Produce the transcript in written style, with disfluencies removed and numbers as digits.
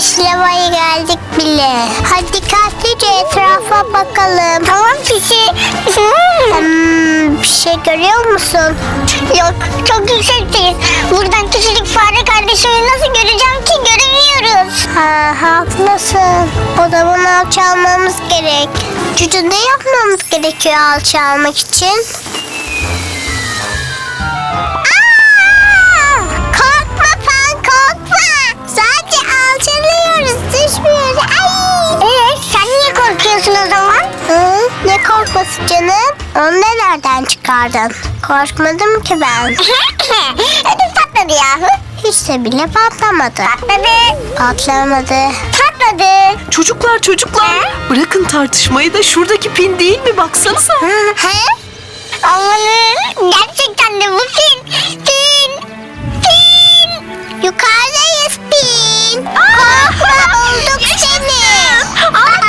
sinemaya geldik bile. Hadi dikkatlice etrafa bakalım. Tamam Pisi. Bir şey görüyor musun? Yok, çok yüksekteyiz. Buradan küçücük fare kardeşimi nasıl göreceğim ki? Göremiyoruz. Haklısın. O zaman alçalmamız gerek. Cucu, ne yapmamız gerekiyor alçalmak için? Korkma Pan, korkma. Sadece alçalıyoruz, düşmüyoruz. Sen niye korkuyorsun o zaman? Ne korkması canım? Onu da nereden çıkardın? Korkmadım ki ben. Ödüm patladı yahu. Hiç de bile patlamadı. Patlamadı. Çocuklar bırakın tartışmayı da şuradaki pin değil mi, baksanıza. Amanın, gerçekten de bu Pin. Yukarıdayız Pin. Korkma, bulduk seni.